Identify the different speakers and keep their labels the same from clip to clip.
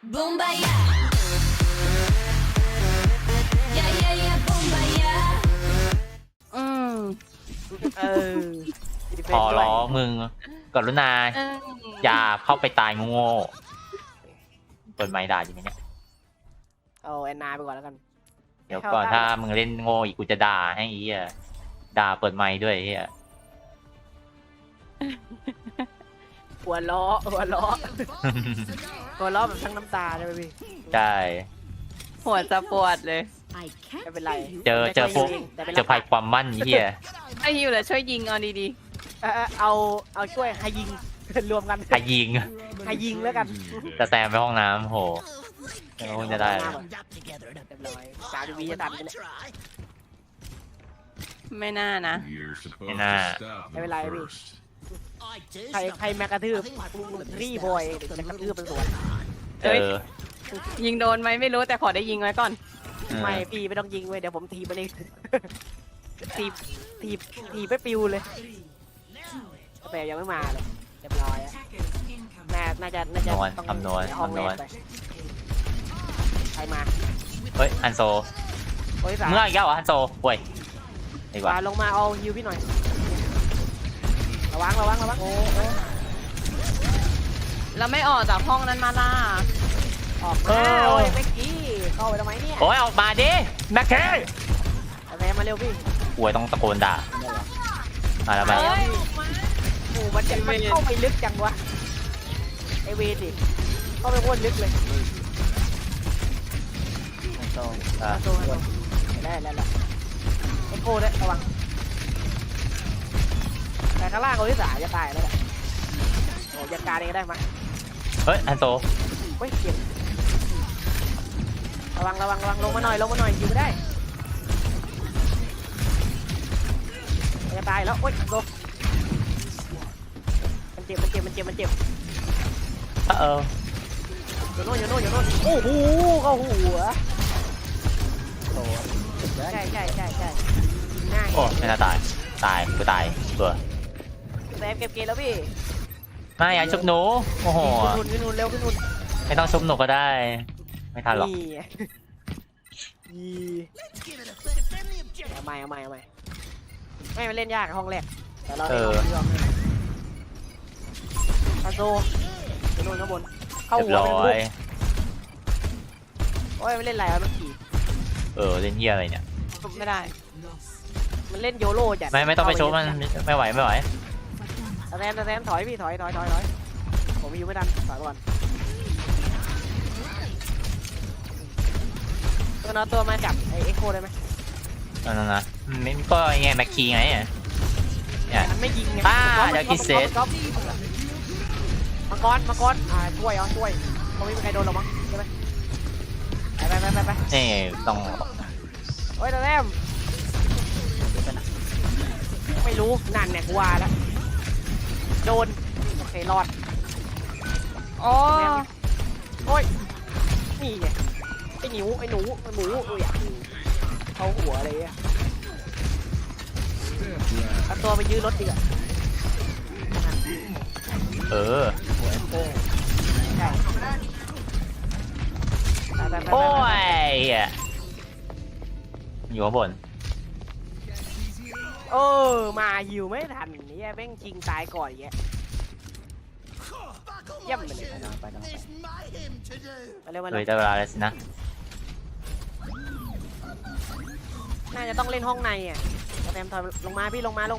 Speaker 1: Boombayah. Yeah, yeah, yeah, boombayah.
Speaker 2: ขอร้องมึงกรุณาอย่าเข้าไปตายโง่เปิดไมค์ด่าจริงไหมเนี่ย
Speaker 3: เอาแอนนาไปก่อนแล้วกัน
Speaker 2: เดี๋ยวก่อนถ้ามึงเล่นโง่อีกกูจะด่าให้อีอ่ะด่าเปิดไมค์ด้วยไอ้เฮีย
Speaker 3: หัวล้อหัวล้อหัวล้อแบบทั้งน้ำตาเลยพี่
Speaker 2: ใช่
Speaker 4: หัวจะปวดเลย
Speaker 3: ไม่เป็นไร
Speaker 2: เจอพวกเจอภัยความมั่นไอ้เฮีย
Speaker 4: ไอฮิวเหรอช่วยยิงเอาดี
Speaker 3: เอาช่วยให้ยิงรวมกัน
Speaker 2: ใครยิง
Speaker 3: ให้ยิงแล้วกัน
Speaker 2: จะแซมไปห้องน้ำโหแล้วคงจะได้แล้ว
Speaker 3: เรียบร้อย3 วิจะทันไปเนี่ย
Speaker 4: ๆ ไม่น่านะ
Speaker 2: ไม่น่า
Speaker 3: ไม่เป็นไรพี่ใครแมกกระทืบรีบอยเดี๋ยวจะกระทืบเป็นสวน
Speaker 2: เออ
Speaker 4: ยิงโดนไหมไม่รู้แต่ขอได้ยิงไว้ก่อน
Speaker 3: ไม่พี่ไม่ต้องยิงเว้ยเดี๋ยวผมทีมันเองทีไปปิวเลยแต่ยังไม่มาเลยเรียบร้อยอะน่าจะต้อง
Speaker 2: คำนวณ
Speaker 3: ห้องเล่นไปใครมา
Speaker 2: เฮ้ยฮันโซ
Speaker 3: โอ้ยสาม
Speaker 2: เมื่ออีกแล้วเหรอฮันโซป่วยดีกว่า
Speaker 3: ลงมาเอาฮิวพี่หน่อยระวังโอ้
Speaker 4: แล้วไม่ออกจากห้องนั้นมาล่ะ
Speaker 3: ออกมาโอ้ยเมื่อกี้เข้าไปทำไมเนี่ย
Speaker 2: โอ้ยออกมาดิแม็กเค
Speaker 3: แม่มาเร็วพี่
Speaker 2: ป่วยต้องตะโกนด่ามาแล้วมา
Speaker 4: เฮ้ย
Speaker 3: โอ้มันเข้าไปลึกจังวะไอเวดิเข้าไปโคตรลึกเลย
Speaker 2: อ่ะ
Speaker 3: โดนได้แล้วไอโก้ด้วยระวังแต่ข้างล่างเขาที่สาจะตายแล้วแหละโอ้ยันการเองได้ไหม
Speaker 2: เฮ้ยฮันโซ
Speaker 3: เฮ้ยเจ็บระวังลงมาหน่อยอยู่ไม่ได้จะตายแล้วโอ๊ยโดนมันเจ็บ
Speaker 2: เออ
Speaker 3: อยู่โน่นโอ้โหเข้าหัวใช่ง่าย
Speaker 2: โอ้ไม่น่าตายกูตายตัว
Speaker 3: แซมเก็บเกมแล้วพี่
Speaker 2: ไม่อยากชุบหนูโอ้โห
Speaker 3: ขึ้นนู่นเร็วขึ้นนู่น
Speaker 2: ไม่ต้องชุบหนูก็ได้ ไม่ทันหรอก
Speaker 3: เอาใหม่ไม่มันเล่นยากห้องแรกแต่เรา
Speaker 2: เออ
Speaker 3: คาโซขึ้นนู่นข้างบนเข้า
Speaker 2: เรียบ
Speaker 3: หัว
Speaker 2: ร้อย
Speaker 3: โอ้ยมันเล่นอะไรวะเมื่อกี้
Speaker 2: เล่นเฮียอะไรเนี่ย
Speaker 4: ไม่ได้
Speaker 3: มันเล่นโยโร่จัด
Speaker 2: ไม่ต้องไปชุบมันไม่ไหว
Speaker 3: แซมถอยพี่ถอยผมอยู่ไม่ทันถอยก่อนตัวมาจับไอเอ็กโคได้ไหม
Speaker 2: นั่นนะไม่ก็ไงแม็กคีไงเนี่ย
Speaker 3: มันไม่ยิงไง
Speaker 2: เดี๋ยวคิดเซต
Speaker 3: มังกรช่วยคงไม่มีใครโดนหรอกมั้งใช่ไหมไป
Speaker 2: นี่ต้อง
Speaker 3: โอ้ยแซมไม่รู้นั่นเนี่ยกูว่าแล้วโดนโอเครอด
Speaker 4: โอ้
Speaker 3: โอ้ยนี่ไงไอ้หนูอยากเข้าหัวอะไรอ่ะเอาตัวไปยื้อรถดีกว่า ใช่ไป
Speaker 2: โอ้ยอยู่ข้างบน
Speaker 3: มาหิวไม่ทันนี่แม่งชิงตายก่อนอย่างเงี้ยเยี่ยมไปเลยไปเร็ว
Speaker 2: เลยได้เวลาแล้วสินะ
Speaker 3: น่าจะต้องเล่นห้องในอ่ะแซมถอยลงมาพี่ลงมา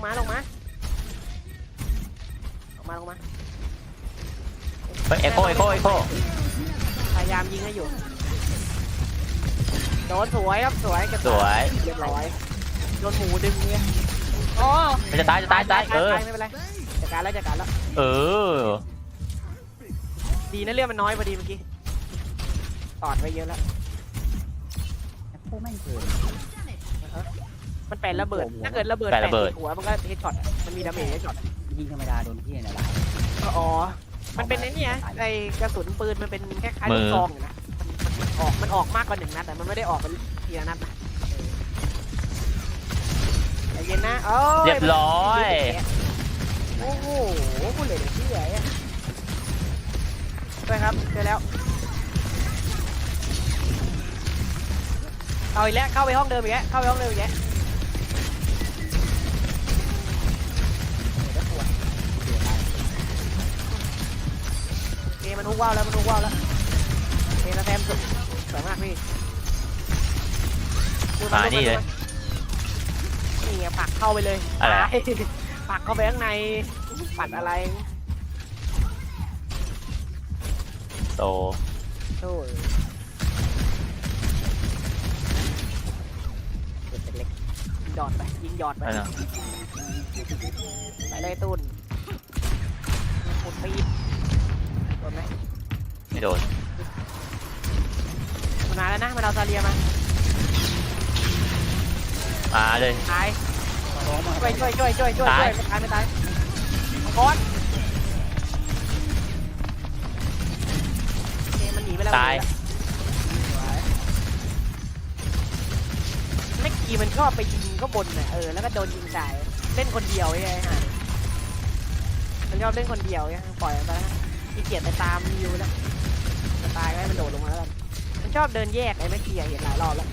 Speaker 2: เฮ้ยเอโค
Speaker 3: พยายามยิงให้อยู่โดนสวยครับสวยเก็บ
Speaker 2: สวย
Speaker 3: เรียบร้อยโดนหมูดึงเนี่ย
Speaker 4: โอ้
Speaker 2: มันจะตาย
Speaker 3: ไม่เป็นไรจัดการแล้วดีนะเรื่องมันน้อยพอดีเมื่อกี้ตอดไปเยอะแล้วมันแปลระเบิดถ้าเกิดระเบิดหัวมันก็เฮดช็อตมันมีดาเมจเฮดช็อต
Speaker 5: ยิงธรรมดาโดนพี่เนี่ยแหละ
Speaker 3: อ๋อมันเป็นไอ้นี่ไอ้กระสุนปืนมันเป็นแค่คล้ายลูกซองอยู่นะมันออกมากกว่า1 นัดแต่มันไม่ได้ออกเป็นทีละนัดนะใจเย็นนะ
Speaker 2: เรียบร้อย
Speaker 3: โอ้โหพูดเลยเชื่อด้วยครับเจอแล้วเอาอีกแล้วเข้าไปห้องเดิมอีกแล้วเข้าไปห้องเดิมอีกแล้วโอเคมันฮุกว่าวแล้วมันฮุกว่าวแล้วโอเคแล้วแซมสุดสวยมากพี่
Speaker 2: มานี่เลย
Speaker 3: นี่ไงปักเข้าไปเลย
Speaker 2: อะไร
Speaker 3: ตายปักเข้าไปข้างในปัดอะไร
Speaker 2: โต
Speaker 3: โอ้ยเล็กๆยิงหยอดไปยิงหยอดไป
Speaker 2: นั่นนะ
Speaker 3: ไปเลยตุนปุดปีดโดนไหม
Speaker 2: ไม่โดน
Speaker 3: มันมาแล้วนะมันเอาซาเลียมา
Speaker 2: มาเลย
Speaker 3: ตาย
Speaker 5: ร้อนมา
Speaker 3: ช่วยไม่ตายมังกรโอเคมันหนีไปแล้ว
Speaker 2: ตาย
Speaker 3: ไม่กี่มันชอบไปยิงก็บนน่ะแล้วก็โดนยิงตายเล่นคนเดียวไอ้ห่ามันชอบเล่นคนเดียวไงปล่อยมันไปนะขี้เกียจไปตามยิวแล้วจะตายก็ให้มันโดดลงมาแล้วกันมันชอบเดินแยกไอ้ไม่เกี่ยเห็นหลายรอบแล้ว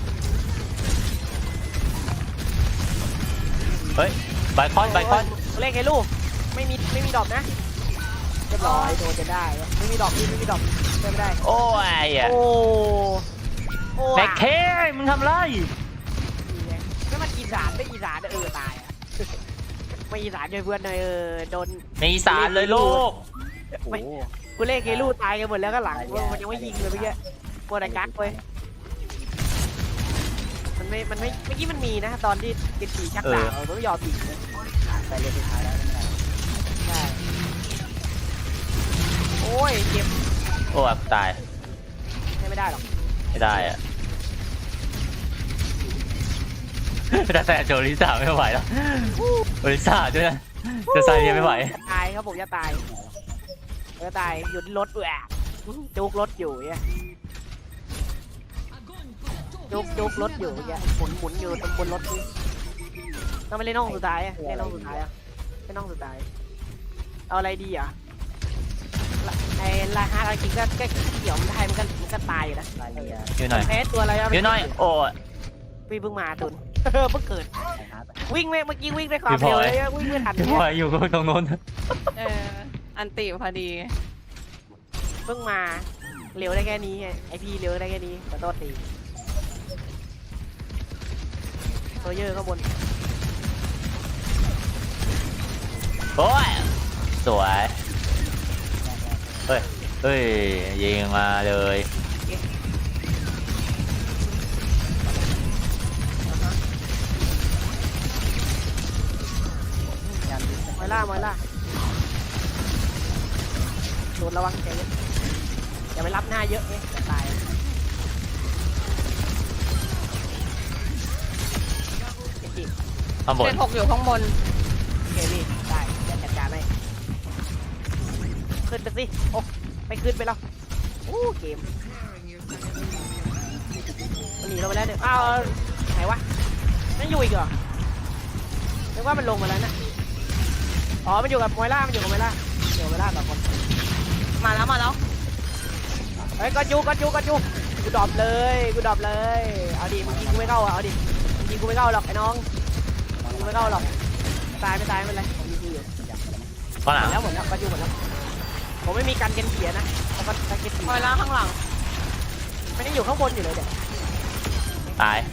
Speaker 2: เฮ้ยไบคอน
Speaker 3: เลขไอ้ลูกไม่มีดอกนะเรียบร้อยโดนจะได้ไม่มีดอกไม่มีดอกไม่ได้
Speaker 2: โอ้ยอะ
Speaker 3: โอ้
Speaker 2: แม็กเคมึงทำไร
Speaker 3: ไม่มันอีสานไม่อีสานตายอ่ะไม่อีสานเลยเพื่อนเลยโดน
Speaker 2: ในอีสานเลยลูก
Speaker 5: โอ้โห
Speaker 3: กูเลขไอ้ลูกตายกันหมดแล้วก็หลังมันยังไม่ยิงเลยเมื่อกี้โคตรกักเว้ยมันไม่เมื่อกี้มันมีนะตอนที่ติดผีชักดาบมันไม่ยอมยิงเลย
Speaker 5: ไปเรียนสุดท้ายแล้วไม่ได้
Speaker 3: ใช่โอ้ยเจ็บ
Speaker 2: โอ้ยตาย
Speaker 3: ไม่ได้หรอก
Speaker 2: ไม่ได้อะแต่โจลิซ่าไม่ไหวแล้วโจลิซ่าด้วยนะจะใส่ยังไม่ไหว
Speaker 3: ตายครับผมจะตายหยุดรถด้วยจุกรถอยู่เนี่ยจุกรถอยู่เนี่ยหมุนอยู่บนรถนี่ต้องไปเล่นน้องสุดท้ายเล่นน้องสุดท้ายเล่นน้องสุดท้ายเอาอะไรดีอ่ะไอ้ลาฮาร์กิงก็เกี่ยวมันได้มันก็ตายอยู่นะ
Speaker 5: รายละเอียด
Speaker 2: อยู่หน่อย
Speaker 3: แพ้ตัวอะไร
Speaker 2: อยู่หน่อยโอ้ย
Speaker 3: พี่เพิ่งมาตุนเพิ่งเกิด
Speaker 5: ใช่ครับ
Speaker 3: วิ่งเมื่อกี้วิ่งด้วยความเร็วเลยวิ่งไม่ทัน
Speaker 2: พี่พลอยอยู่ตรงโน้น
Speaker 4: อันติพอดี
Speaker 3: เพิ่งมาเร็วได้แค่นี้ไงไอพี่เร็วได้แค่นี้ขอโทษทีโซเยอร์ข้างบน
Speaker 2: โอ้ยสวยเฮ้ยยิงมาเลย
Speaker 5: ยันดิส
Speaker 3: มอยล่โดนระวังใจเย็นอย่าไปรับหน้าเยอะจะตายเก่ง
Speaker 2: ข้างบน
Speaker 4: เจ็ดหกอยู่ข้างบน
Speaker 3: เกมี่ได้จะจัดการให้ขึ้นไปสิโอ้ไม่ขึ้นไปแล้วโอ้เกมมันหนีเราไปแล้วเนี่ยอ้าวไหนวะนั่นอยู่อีกเหรอนึกว่ามันลงมาแล้วนะอ๋อมันอยู่กับมอยล่าต่อคน
Speaker 4: มาแล้ว
Speaker 3: เฮ้ยก็จูกูดรอปเลยเอาดิมึงยิงกูไม่เข้าเอาดิมึงยิงกูไม่เข้าหรอกไอ้น้องยิงกูไม่เข้าหรอกตายไม่เป็นไรผมยิงอยู่
Speaker 2: ข้างหลัง
Speaker 3: หมดแล้วก็จูหมดแล้วผมไม่มีการเกณฑ์เสียนะแล้วก็การเกณฑ์เสีย
Speaker 4: คอยล่างข้างหลัง
Speaker 3: ไม่ได้อยู่ข้างบนอยู่เลยเด็ก
Speaker 2: ตาย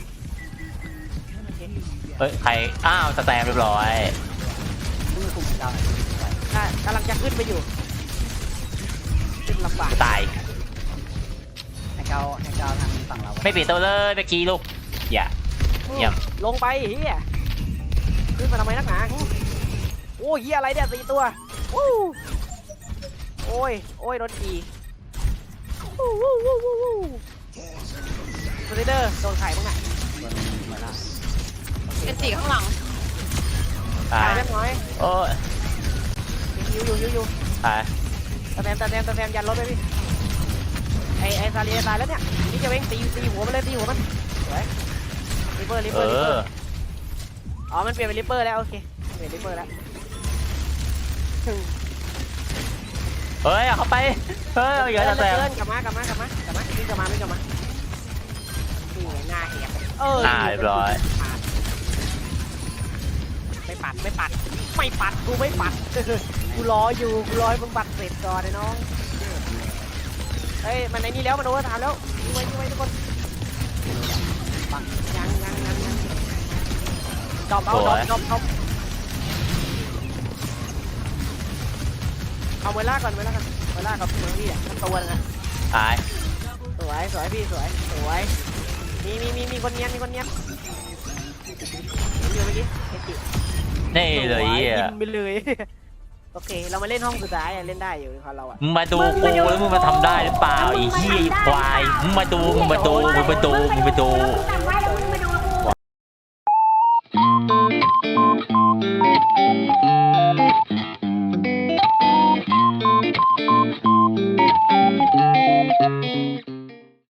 Speaker 2: เฮ้ยใครอ้าวสแตมเรียบร้อย
Speaker 5: มือคุมดาว
Speaker 3: กำลังจะขึ้นไปอยู่ขึ้นลำบาก
Speaker 2: ตาย
Speaker 5: ให้เกาทางฝั่งเรา
Speaker 2: ไม่ปิดตัวเลยเมื่อกี้ลูกอย่า เยี่ยม
Speaker 3: ลงไปเฮียขึ้นมาทำไมนักหนาโอ้ยเฮียอะไรเนี่ย4 ตัวโอ้ยโดนอีสไลเดอร์โดนไข่บ้างไง
Speaker 5: บนเหมือนละ
Speaker 4: เป็นติข้างหลัง
Speaker 2: ตาย
Speaker 3: เล็กน้อย
Speaker 2: โอ้ย
Speaker 3: อยู่
Speaker 2: ตาย
Speaker 3: ตะแซมยันรถไปพี่ไอซาเลียตายแล้วเนี่ยนี่จะเว้งตีหัวมันเลยตีหัวมันสวยริปเปอร์อ๋อมันเปลี่ยนเป็นริปเปอร์แล้วโอเคเปลี่ยนริปเปอร์แล้ว
Speaker 2: เฮ้ยเอาเข้าไปเฮ้ยเอาอย่าสแตม
Speaker 3: กลับมาวิ่งกลับมานี่ไงหน้าแหก
Speaker 2: หน้าเรียบร้อย
Speaker 3: ไม่ปัดไม่ปัดไม่ปัดกูไม่ปัด กูรออยู่กูรอให้มึงปัดเสร็จก่อนไอ้น้องเฮ้ยมันไอ้นี่แล้วมันโอเวอร์ไทม์แล้วยิงไว้ทุกคนปังยังดอมเอาดอมเอาเวลาก่อนเวลากับเมืองพี่อ่ะมันตัวนึงอ่ะ
Speaker 2: ตาย
Speaker 3: สวยพี่สวยมีคนเนียนอยู่เมื่อกี้เอจิ
Speaker 2: นี่เลยเหี้ย
Speaker 3: ยิงไปเลย โอเคเรามาเล่นห้องสุดท้ายเล่นได้อยู่ของเราอ่ะ
Speaker 2: มึงมาดูกูแล้วมึงมาทำได้หรือเปล่าไอ้เหี้ยไอ้ควายมึงมาดู
Speaker 1: จำไว้